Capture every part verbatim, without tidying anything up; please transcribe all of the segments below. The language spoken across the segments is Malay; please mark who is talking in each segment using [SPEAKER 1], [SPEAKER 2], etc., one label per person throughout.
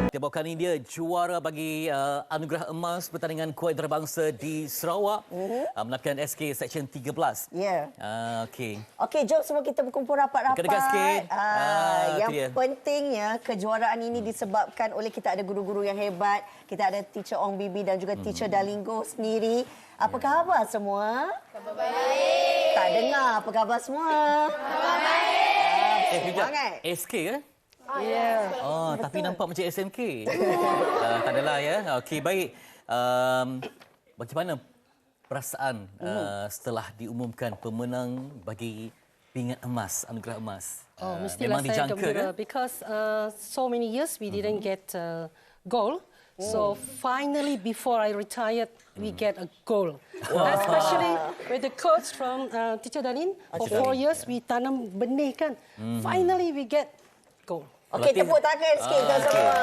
[SPEAKER 1] Kita bawakan ini dia juara bagi uh, anugerah emas pertandingan kuat antarabangsa di Sarawak. Uh-huh. Uh, Melapkan S K Seksyen tiga belas.
[SPEAKER 2] Ya. Yeah.
[SPEAKER 1] Uh, Okey.
[SPEAKER 2] Okey, jom semua kita berkumpul rapat-rapat.
[SPEAKER 1] Dekat-dekat sikit.
[SPEAKER 2] Uh,
[SPEAKER 1] Ah,
[SPEAKER 2] yang
[SPEAKER 1] tu dia.
[SPEAKER 2] pentingnya kejuaraan ini disebabkan oleh kita ada guru-guru yang hebat. Kita ada teacher Ong Bibi dan juga teacher
[SPEAKER 1] Hmm.
[SPEAKER 2] Dalingo sendiri. Apa khabar semua? Khabar baik. Tak dengar apa khabar semua? Khabar baik.
[SPEAKER 1] Eh, kejap.
[SPEAKER 2] Semangat.
[SPEAKER 1] S K ke?
[SPEAKER 2] Oh, ya.
[SPEAKER 1] Oh, tapi nampak macam S M K. uh, tak adalah ya. Okey, baik. Um, bagaimana perasaan uh, setelah diumumkan pemenang bagi pingat emas, anugerah emas?
[SPEAKER 3] Oh,
[SPEAKER 1] Uh,
[SPEAKER 3] mestilah saya
[SPEAKER 1] dijangka
[SPEAKER 3] gembira
[SPEAKER 1] kan?
[SPEAKER 3] because uh, so many years we didn't get uh, goal. So finally, before I retired, we get a goal. Especially with the coach from uh, Teacher Dalin. For four years, we tanam benih kan. Finally, we get goal.
[SPEAKER 2] Okey,
[SPEAKER 1] Berarti-
[SPEAKER 2] tepuk tangan sikit
[SPEAKER 1] Ah,
[SPEAKER 2] tuan
[SPEAKER 1] okey.
[SPEAKER 2] semua.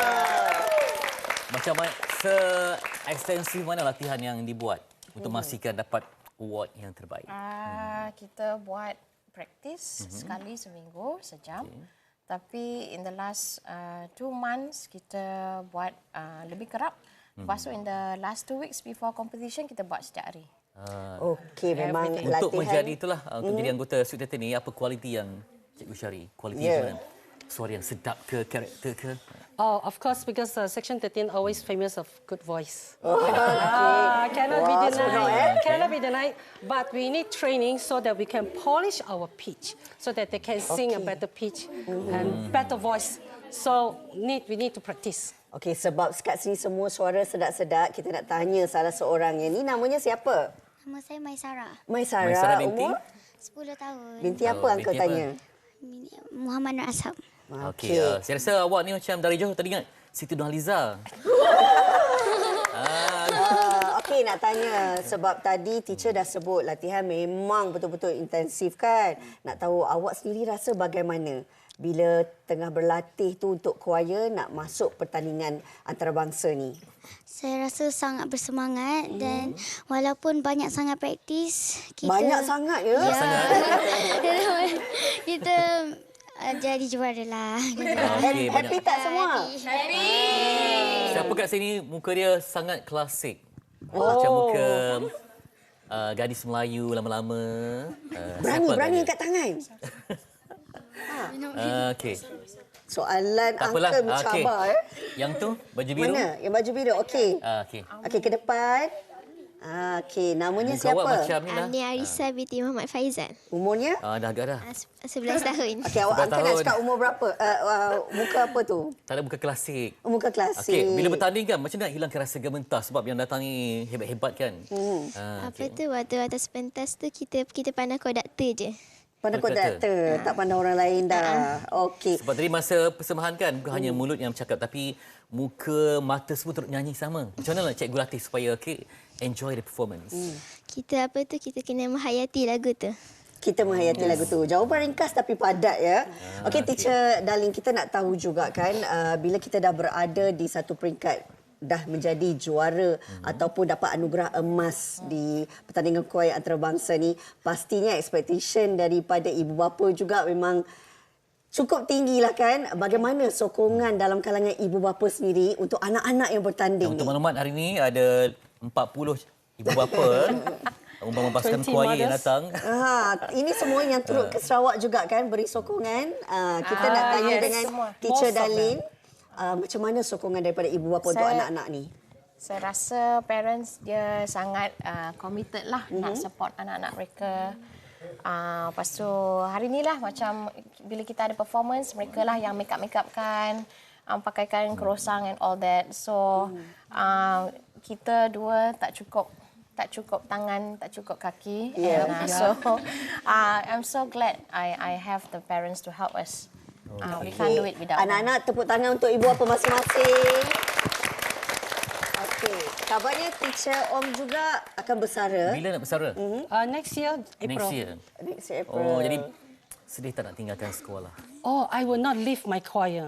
[SPEAKER 1] Macam mana, se-ekstensif mana latihan yang dibuat untuk memastikan dapat award yang terbaik?
[SPEAKER 4] Uh, kita buat practice mm-hmm. sekali seminggu sejam. Okay. Tapi in the last uh, two months kita buat uh, lebih kerap. Mm-hmm. Lepas tu in the last two weeks before competition kita buat setiap hari.
[SPEAKER 1] Uh,
[SPEAKER 2] Okey, memang
[SPEAKER 3] Everything.
[SPEAKER 2] latihan.
[SPEAKER 1] untuk menjadi itulah, uh, untuk jadi anggota Suite Theatre ni, apa kualiti yang Cikgu Syari? Kualiti
[SPEAKER 2] Yeah.
[SPEAKER 1] yeah. mana? Suara yang sedap ke, karakter ke?
[SPEAKER 3] Oh, of course, because uh, Section thirteen always famous of good voice.
[SPEAKER 2] Oh,
[SPEAKER 3] Ah, cannot be
[SPEAKER 2] Wah,
[SPEAKER 3] denied.
[SPEAKER 2] senang, eh?
[SPEAKER 3] Cannot be denied. But we need training so that we can polish our pitch, so that they can sing a
[SPEAKER 2] Okay.
[SPEAKER 3] better pitch and better voice. So need we need to practice.
[SPEAKER 2] Okey, sebab kat sini semua suara sedap-sedap, kita nak tanya salah seorang. Yang ni namanya siapa?
[SPEAKER 5] Nama saya Maisara,
[SPEAKER 2] Maisara.
[SPEAKER 1] Maisara binti?
[SPEAKER 2] Umur?
[SPEAKER 5] sepuluh tahun.
[SPEAKER 2] Binti apa
[SPEAKER 1] Oh,
[SPEAKER 2] uncle
[SPEAKER 1] binti apa?
[SPEAKER 2] tanya?
[SPEAKER 5] Muhammad Nur Ashab.
[SPEAKER 1] Okey, uh, saya rasa awak ni macam dari jauh tadi ingat Siti Nurhaliza.
[SPEAKER 2] Uh, Okey, nak tanya sebab tadi teacher dah sebut latihan memang betul-betul intensif kan. Nak tahu awak sendiri rasa bagaimana bila tengah berlatih tu untuk choir nak masuk pertandingan antarabangsa ni?
[SPEAKER 5] Saya rasa sangat bersemangat hmm. dan walaupun banyak sangat praktis, kita
[SPEAKER 2] Banyak sangat ya?
[SPEAKER 5] Ya. kita uh, jadi juara lah.
[SPEAKER 1] Okey, banyak.
[SPEAKER 2] Happy tak semua?
[SPEAKER 5] Happy.
[SPEAKER 1] Siapa kat sini muka dia sangat klasik.
[SPEAKER 2] Oh.
[SPEAKER 1] Macam muka uh, gadis Melayu lama-lama. Uh,
[SPEAKER 2] Berani,
[SPEAKER 1] siapa
[SPEAKER 2] berani
[SPEAKER 1] agaknya?
[SPEAKER 2] angkat tangan.
[SPEAKER 1] Uh, Okey.
[SPEAKER 2] Soalan
[SPEAKER 1] Tak apalah.
[SPEAKER 2] angka
[SPEAKER 1] Ah,
[SPEAKER 2] mencabar
[SPEAKER 1] okey.
[SPEAKER 2] eh.
[SPEAKER 1] Yang tu baju biru.
[SPEAKER 2] Mana? Yang baju biru. Okey.
[SPEAKER 1] Ah, okey.
[SPEAKER 2] Okey, ke depan. Ah, okey, namanya
[SPEAKER 1] Muka awak
[SPEAKER 2] siapa?
[SPEAKER 1] macam ni lah.
[SPEAKER 5] Amni Arisa binti Muhammad Faizal.
[SPEAKER 2] Umurnya?
[SPEAKER 1] Ah, dah agak dah.
[SPEAKER 5] Uh, sebelas tahun.
[SPEAKER 2] Okey, awak
[SPEAKER 1] sebelas
[SPEAKER 2] angka nak
[SPEAKER 1] tahun.
[SPEAKER 2] cakap umur berapa? Uh, uh, muka apa tu?
[SPEAKER 1] Tak ada muka klasik.
[SPEAKER 2] Muka klasik.
[SPEAKER 1] Okey, bila bertanding kan macam nak hilangkan rasa gementar sebab yang datang ni hebat-hebat kan. Hmm. Ah,
[SPEAKER 5] Apa tu waktu atas pentas tu kita kita pandang konduktor je.
[SPEAKER 2] Pandang
[SPEAKER 1] Konduktor.
[SPEAKER 2] konduktor, tak pandang orang lain dah. Okey.
[SPEAKER 1] Sebab tadi masa persembahan kan bukan hanya mulut yang bercakap tapi muka, mata semua turut nyanyi sama. Macam mana nak cikgu latih supaya okay, enjoy the performance? Hmm.
[SPEAKER 5] Kita apa tu kita kena menghayati lagu tu.
[SPEAKER 2] Kita menghayati yes. lagu tu. Jawapan ringkas tapi padat ya.
[SPEAKER 1] Ah,
[SPEAKER 2] Okey, teacher Darling, kita nak tahu juga kan uh, bila kita dah berada di satu peringkat dah menjadi juara hmm. ataupun dapat anugerah emas di pertandingan choir antarabangsa ni, pastinya expectation daripada ibu bapa juga memang cukup tinggilah kan. Bagaimana sokongan dalam kalangan ibu bapa sendiri untuk anak-anak yang bertanding
[SPEAKER 1] Untuk
[SPEAKER 2] ni?
[SPEAKER 1] maklumat hari ini ada empat puluh ibu bapa umpama pasukan
[SPEAKER 3] twenty
[SPEAKER 1] choir yang
[SPEAKER 3] mothers.
[SPEAKER 1] datang.
[SPEAKER 2] Ha, ini semua yang turut ke Sarawak juga kan beri sokongan. Uh, kita
[SPEAKER 4] Ah,
[SPEAKER 2] nak tanya
[SPEAKER 4] yes,
[SPEAKER 2] dengan
[SPEAKER 4] semua.
[SPEAKER 2] teacher
[SPEAKER 3] Most of them.
[SPEAKER 2] Darlene. Uh, macam mana sokongan daripada ibu bapa untuk
[SPEAKER 4] Saya-
[SPEAKER 2] anak-anak ni?
[SPEAKER 4] Saya rasa parents dia sangat uh, committed lah mm-hmm. nak support anak-anak mereka. Uh, lepas tu hari ni lah macam bila kita ada performance, mereka lah yang make up-make up kan, um, pakaikan kerosang and all that. So uh, kita dua tak cukup tak cukup tangan, tak cukup kaki.
[SPEAKER 2] Yeah.
[SPEAKER 4] And, uh, so uh, I'm so glad I I have the parents to help us. Uh, we can't do it without them.
[SPEAKER 2] Anak-anak tepuk tangan untuk ibu bapa masing-masing. Okey, kabarnya teacher Om juga akan bersara
[SPEAKER 1] Bila nak bersara?
[SPEAKER 3] Uh, next year, April.
[SPEAKER 1] Next year.
[SPEAKER 2] next April.
[SPEAKER 1] Oh, jadi sedih tak nak tinggalkan sekolah?
[SPEAKER 3] Oh, I will not leave my choir.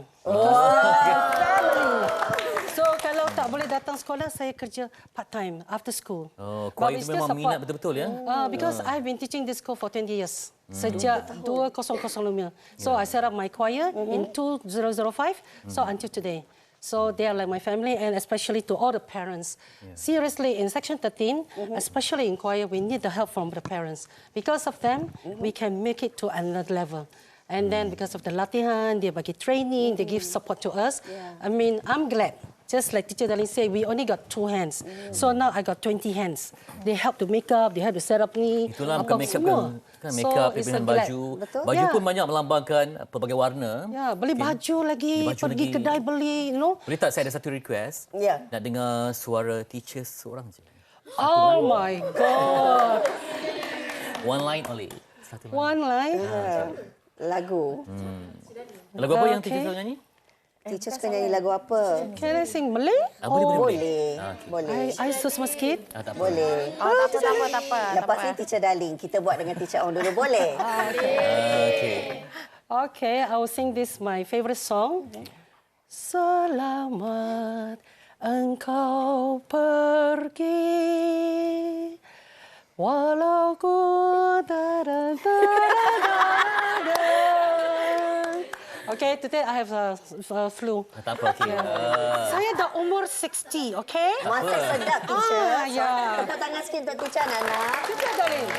[SPEAKER 3] So kalau tak boleh datang sekolah, saya kerja part time after school.
[SPEAKER 1] Oh,
[SPEAKER 3] But
[SPEAKER 1] choir
[SPEAKER 3] we
[SPEAKER 1] itu
[SPEAKER 3] still
[SPEAKER 1] memang
[SPEAKER 3] support.
[SPEAKER 1] minat betul-betul ya?
[SPEAKER 3] Uh, because I've been teaching this school for twenty years. Sejak dua ribu lima. So I set up my choir in two thousand five. So until today. So they are like my family, and especially to all the parents. Yeah. Seriously, in Section thirteen, mm-hmm. especially in choir, we need the help from the parents. Because of them, mm-hmm. we can make it to another level. And then because of the latihan, they bagi training, mm-hmm. they give support to us. Yeah. I mean, I'm glad. Just like Teacher Darlene said, we only got two hands. Mm. So now I got twenty hands. They help to make up, they help to set up ni.
[SPEAKER 1] Itulah bukan make up kan, kan make up, so, pilihan baju.
[SPEAKER 2] Betul?
[SPEAKER 1] Baju
[SPEAKER 3] yeah.
[SPEAKER 1] pun banyak melambangkan pelbagai warna.
[SPEAKER 3] Ya, yeah, beli okay. baju lagi, beli baju pergi lagi. Kedai beli, you know.
[SPEAKER 1] Boleh tak saya ada satu request?
[SPEAKER 2] Ya. Yeah.
[SPEAKER 1] Nak dengar suara teacher seorang je.
[SPEAKER 3] Oh my God.
[SPEAKER 1] One line only. Satu line.
[SPEAKER 3] One line.
[SPEAKER 2] Uh, lagu.
[SPEAKER 1] Hmm. Lagu apa okay. yang teacher selalu nyanyi?
[SPEAKER 2] Teacher suka nyanyi lagu apa?
[SPEAKER 3] Can I sing Malay?
[SPEAKER 1] Ah, boleh,
[SPEAKER 2] oh,
[SPEAKER 1] boleh.
[SPEAKER 2] Boleh.
[SPEAKER 1] Ah, okay.
[SPEAKER 2] Boleh.
[SPEAKER 3] I, I susah sikit.
[SPEAKER 1] Ah, tak
[SPEAKER 2] boleh.
[SPEAKER 4] Oh, tak apa, tak apa, tak apa.
[SPEAKER 2] Lepas ni Teacher Darling, kita buat dengan Teacher Ong dulu, boleh?
[SPEAKER 3] Okay.
[SPEAKER 1] Ah, okay.
[SPEAKER 3] Okay, I will sing this my favorite song. Selamat engkau pergi, walau ku da da da da da. Okay, today I have a, a flu.
[SPEAKER 1] Tak apa, okay. Uh...
[SPEAKER 3] Saya dah umur sixty, okay?
[SPEAKER 2] Masak sedap, Teacher.
[SPEAKER 3] Ah, ya.
[SPEAKER 2] Tepuk tangan sikit untuk Teacher Nana.
[SPEAKER 3] Teacher Darlene.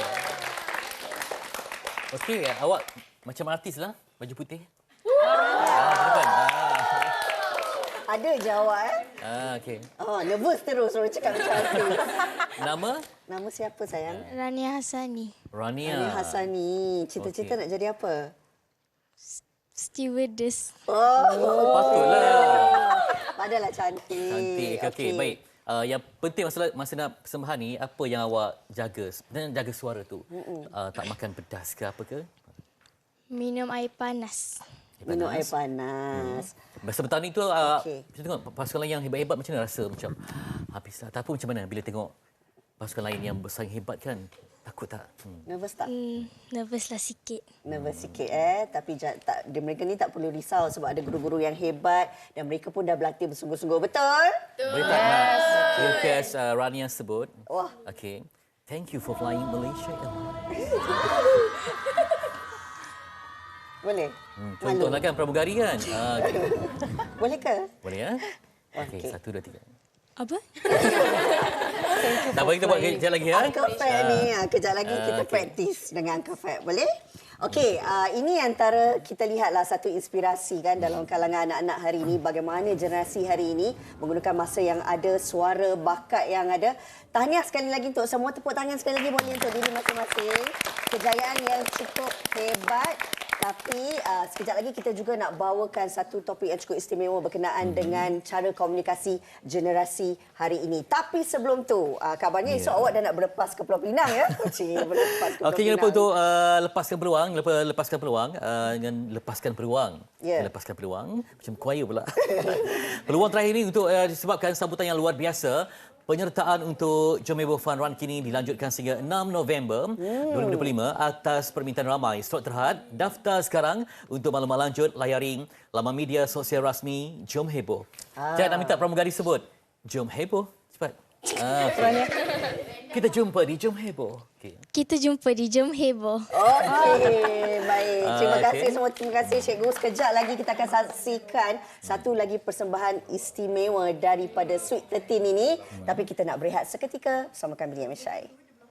[SPEAKER 1] Okey, awak macam artis lah, baju putih. Ah, bukan. Ah.
[SPEAKER 2] Ada je awak, eh?
[SPEAKER 1] Ah, okey.
[SPEAKER 2] Oh, nervous terus orang cakap macam artis.
[SPEAKER 1] Nama?
[SPEAKER 2] Nama siapa, sayang?
[SPEAKER 5] Rania Hassani.
[SPEAKER 1] Rania.
[SPEAKER 2] Rania Hassani. Cita-cita okay. nak jadi apa?
[SPEAKER 5] Stewardess.
[SPEAKER 2] Oh,
[SPEAKER 1] oh patutlah.
[SPEAKER 2] Padahlah cantik.
[SPEAKER 1] Cantik. Okey, okay. Baik. Uh, yang penting masa masa nak persembahan ni, apa yang awak jaga? Dan jaga suara tu. Uh, tak makan pedas ke apa ke?
[SPEAKER 5] Minum air panas.
[SPEAKER 2] Minum air panas.
[SPEAKER 1] Hmm. Sebentar ni tu, uh,
[SPEAKER 2] okay.
[SPEAKER 1] kita tengok pasukan lain yang hebat-hebat macam mana rasa? Macam habislah. Tapi macam mana bila tengok pasukan lain yang bersaing hebat kan? Takut tak?
[SPEAKER 2] Hmm. Nervous tak?
[SPEAKER 5] Hmm, nervous lah sikit.
[SPEAKER 2] Nervous sikit eh. Tapi tak, mereka ni tak perlu risau sebab ada guru-guru yang hebat dan mereka pun dah berlatih bersungguh-sungguh. Betul?
[SPEAKER 1] Betul. Boleh tak nak request uh, Rania sebut?
[SPEAKER 2] Wah.
[SPEAKER 1] Okay. Thank you for flying Malaysia Airlines.
[SPEAKER 2] Boleh?
[SPEAKER 1] Hmm, contohlah kan pramugari kan? Ah, okay.
[SPEAKER 2] Boleh ke?
[SPEAKER 1] Boleh ya? Okey, okay. Satu, dua, tiga.
[SPEAKER 5] Apa?
[SPEAKER 1] Tak apa, kita buat kejap lagi ya.
[SPEAKER 2] Uncle Fat ni, kejap lagi
[SPEAKER 1] uh,
[SPEAKER 2] kita okay. praktis dengan Uncle Fat. Boleh? Okey, uh, ini antara kita lihatlah satu inspirasi kan dalam kalangan anak-anak hari ini, bagaimana generasi hari ini menggunakan masa yang ada, suara, bakat yang ada. Tahniah sekali lagi untuk semua, tepuk tangan sekali lagi boleh untuk diri masing-masing. Kejayaan yang cukup hebat. Tapi uh, sekejap lagi kita juga nak bawakan satu topik yang cukup istimewa berkenaan hmm. dengan cara komunikasi generasi hari ini. Tapi sebelum tu, uh, kabarnya yeah. esok awak dah nak berlepas ke Pulau Pinang ya? Cik, berlepas ke Pulau
[SPEAKER 1] Okey,
[SPEAKER 2] Pinang.
[SPEAKER 1] jangan lupa untuk uh, lepaskan peluang, lepas lepaskan peluang uh, dengan lepaskan peluang.
[SPEAKER 2] Yeah.
[SPEAKER 1] Lepaskan peluang, macam choir pula. Peluang terakhir ini untuk uh, disebabkan sambutan yang luar biasa. Penyertaan untuk Jom Heboh Fun Run kini dilanjutkan sehingga enam November hmm. dua ribu dua puluh lima atas permintaan ramai. Slot terhad, daftar sekarang untuk maklumat lanjut layari laman media sosial rasmi Jom Heboh. Ah. Saya nak minta pramugari sebut Jom Heboh. Cepat. Ah, okay. Kita jumpa di Jom Heboh. Okay.
[SPEAKER 5] Kita jumpa di Jom Heboh.
[SPEAKER 2] Okey, baik. Terima
[SPEAKER 1] Ah,
[SPEAKER 2] kasih
[SPEAKER 1] okay.
[SPEAKER 2] semua. Terima kasih Cikgu. Sekejap lagi kita akan saksikan satu lagi persembahan istimewa daripada Sweet thirteen ini. Hmm. Tapi kita nak berehat seketika bersama kami di M S I.